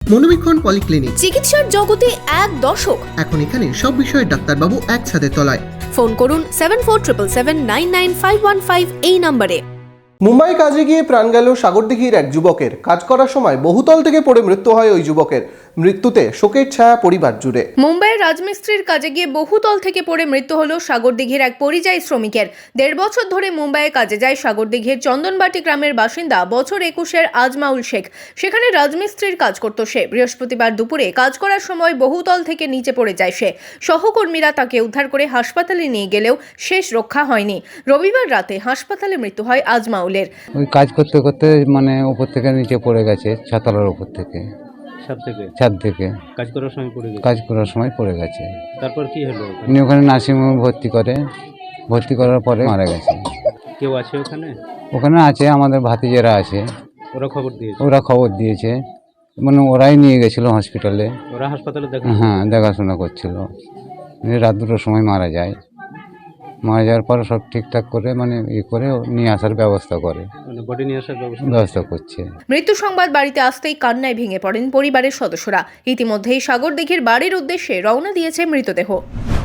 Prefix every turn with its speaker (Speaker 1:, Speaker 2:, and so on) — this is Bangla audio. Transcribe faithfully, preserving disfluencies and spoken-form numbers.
Speaker 1: মনোবীক্ষণ পলিক্লিনিক,
Speaker 2: চিকিৎসার জগতে এক দশক।
Speaker 1: এখন এখানে সব বিষয়ে ডাক্তারবাবু একসাথে তলায়।
Speaker 2: ফোন করুন seven four triple seven nine nine five one five এই নম্বরে।
Speaker 3: মুম্বাই কাজে গিয়ে প্রাণ গেল সাগরদিঘির এক যুবকের। কাজ করার সময় বহুতল থেকে পড়ে মৃত্যু হয় ওই যুবকের। মৃত্যুতে শোকের ছায়া পরিবার জুড়ে।
Speaker 2: মুম্বাইয়ের রাজমিস্ত্রির কাজে গিয়ে বহুতল থেকে পড়ে মৃত্যু হলো সাগরদিঘির এক পরিযায়ী শ্রমিকের। দেড় বছর ধরে মুম্বাইয়ে কাজে যায় সাগরদিঘির চন্দনবাটি গ্রামের বাসিন্দা বছর একুশের আজমাউল শেখ। সেখানে রাজমিস্ত্রির কাজ করত সে। বৃহস্পতিবার দুপুরে কাজ করার সময় বহুতল থেকে নিচে পড়ে যায় সে। সহকর্মীরা তাকে উদ্ধার করে হাসপাতালে নিয়ে গেলেও শেষ রক্ষা হয়নি। রবিবার রাতে হাসপাতালে মৃত্যু হয় আজমাউলের।
Speaker 4: ওই কাজ করতে করতে মানে উপর থেকে নিচে পড়ে গেছে, ছাতালার উপর থেকে,
Speaker 5: ছাদ থেকে
Speaker 4: ছাদ থেকে
Speaker 5: কাজ করার সময় পড়ে গেছে।
Speaker 4: কাজ করার সময় পড়ে গেছে।
Speaker 5: তারপর কি হলো?
Speaker 4: উনি ওখানে নার্সিংহোমে ভর্তি করে, ভর্তি করার পরে মারা গেছে।
Speaker 5: কেউ আছে ওখানে?
Speaker 4: ওখানে আছে আমাদের ভাতিজেরা আছে,
Speaker 5: ওরা খবর দিয়েছে?
Speaker 4: ওরা খবর দিয়েছে, মানে ওরাই নিয়ে গেছিল হসপিটালে।
Speaker 5: ওরা হাসপাতালে দেখা?
Speaker 4: হ্যাঁ, দেখাশোনা করছিল। রাত দুটোর সময় মারা যায়। মারা যাওয়ার পর সব ঠিকঠাক করে মানে ই করে নিয়ে আসার ব্যবস্থা করে,
Speaker 5: মানে বডি নিয়ে আসার ব্যবস্থা
Speaker 4: ব্যবস্থা করছে।
Speaker 2: মৃত্যু সংবাদ বাড়িতে আসতেই কান্নায় ভেঙে পড়েন পরিবারের সদস্যরা। ইতিমধ্যেই সাগরদিঘির বাড়ির উদ্দেশ্যে রওনা দিয়েছে মৃতদেহ।